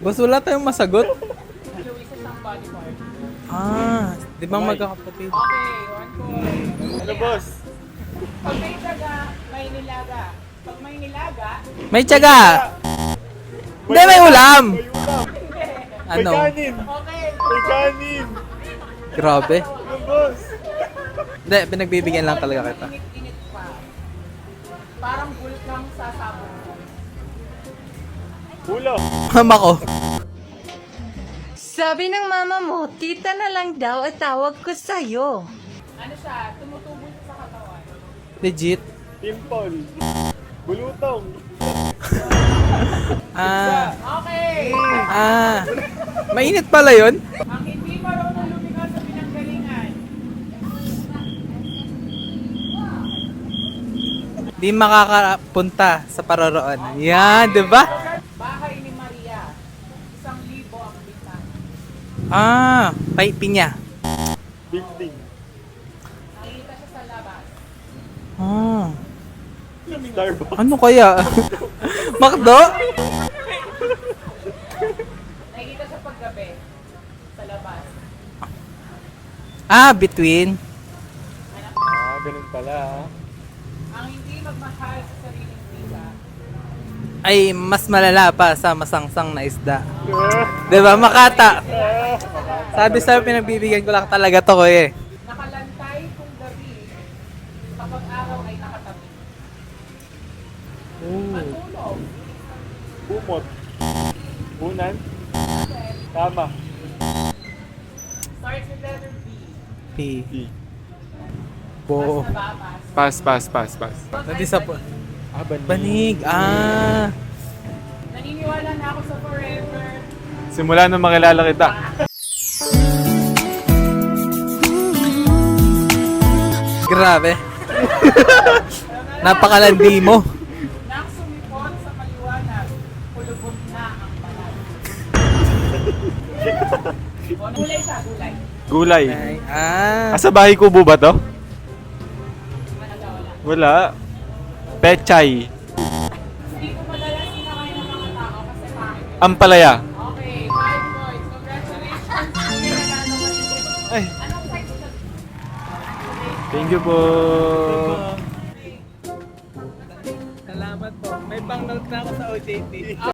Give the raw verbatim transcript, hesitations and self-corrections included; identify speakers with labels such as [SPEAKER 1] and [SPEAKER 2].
[SPEAKER 1] Boss, wala tayong masagot.
[SPEAKER 2] Luis is ang body part.
[SPEAKER 1] Ah, di ba magkakapatid?
[SPEAKER 2] Okay, one point.
[SPEAKER 3] Ano, boss?
[SPEAKER 2] Pag may taga, may nilaga. Pag may nilaga,
[SPEAKER 1] May tiyaga! Hindi, may ulam!
[SPEAKER 3] May ulam. May
[SPEAKER 1] Ano?
[SPEAKER 3] kanin.
[SPEAKER 2] okay.
[SPEAKER 3] May kanin.
[SPEAKER 1] Grabe.
[SPEAKER 3] Ano, boss?
[SPEAKER 1] Hindi, pinagbibigyan lang talaga kita.
[SPEAKER 2] Init-init pa. Parang bulkang sasabog.
[SPEAKER 3] Ulam.
[SPEAKER 1] Mama ko.
[SPEAKER 4] Sabi ng mama mo, tita na lang daw at tawag ko sa'yo.
[SPEAKER 2] Ano siya, tumutubo siya sa katawan.
[SPEAKER 1] Legit.
[SPEAKER 3] Timpol. Bulutong.
[SPEAKER 1] Ah,
[SPEAKER 2] Okay!
[SPEAKER 1] ah. Mainit pala yun?
[SPEAKER 2] Ang hindi marunong lumikha sa pinanggalingan.
[SPEAKER 1] Di makakapunta sa paroroon. Yan, di ba?
[SPEAKER 2] Bahay ni Maria. Isang libo ang bintana.
[SPEAKER 1] Ah, pay pinya.
[SPEAKER 3] Building.
[SPEAKER 2] Nakikita siya sa labas.
[SPEAKER 1] Ah,
[SPEAKER 3] Starbucks.
[SPEAKER 1] ano kaya? Makdo?
[SPEAKER 2] Nakikita siya paggabi. Sa labas.
[SPEAKER 1] Ah, between.
[SPEAKER 3] Ah, ganun pala. ah.
[SPEAKER 2] Ang hindi magmahal sa sariling pisa.
[SPEAKER 1] Ay, mas malala pa sa masangsang na isda.
[SPEAKER 3] Ah,
[SPEAKER 1] Di ba? Makata.
[SPEAKER 3] ah,
[SPEAKER 1] Sabi sa'yo, pinagbibigyan ko lang talaga to ko eh.
[SPEAKER 2] Nakalantay kung gabi. Kapag araw ay nakatabi. Matulog.
[SPEAKER 3] Bumot. Unan. Tama.
[SPEAKER 2] Starts with letter B.
[SPEAKER 1] P.
[SPEAKER 3] D.
[SPEAKER 1] Bo.
[SPEAKER 2] Pas na babas.
[SPEAKER 3] Pass, pass, pass, pass.
[SPEAKER 1] Nadi sa po.
[SPEAKER 3] Ah, banig.
[SPEAKER 1] Banig. Ah.
[SPEAKER 2] Naniniwala na ako sa forever.
[SPEAKER 3] Simula nung makilala kita.
[SPEAKER 1] Grabe. Napakalandi mo.
[SPEAKER 2] Nang sumipon sa maliwanag, pulubog na ang balat. O, gulay siya, gulay.
[SPEAKER 3] Gulay.
[SPEAKER 1] Ay, ah.
[SPEAKER 3] Ah, sa bahay kubo ba to?
[SPEAKER 2] Ano daw, wala.
[SPEAKER 3] Wala. Pechay.
[SPEAKER 2] Hindi ko madalas sinakain ng mga tao kasi pangit.
[SPEAKER 3] Ampalaya.
[SPEAKER 2] Okay, five points. Congratulations. Nanalo ka din.
[SPEAKER 3] Ay.
[SPEAKER 2] Anong size ka?
[SPEAKER 3] Thank you po.
[SPEAKER 1] Salamat po. May pang-note na ako sa O J T.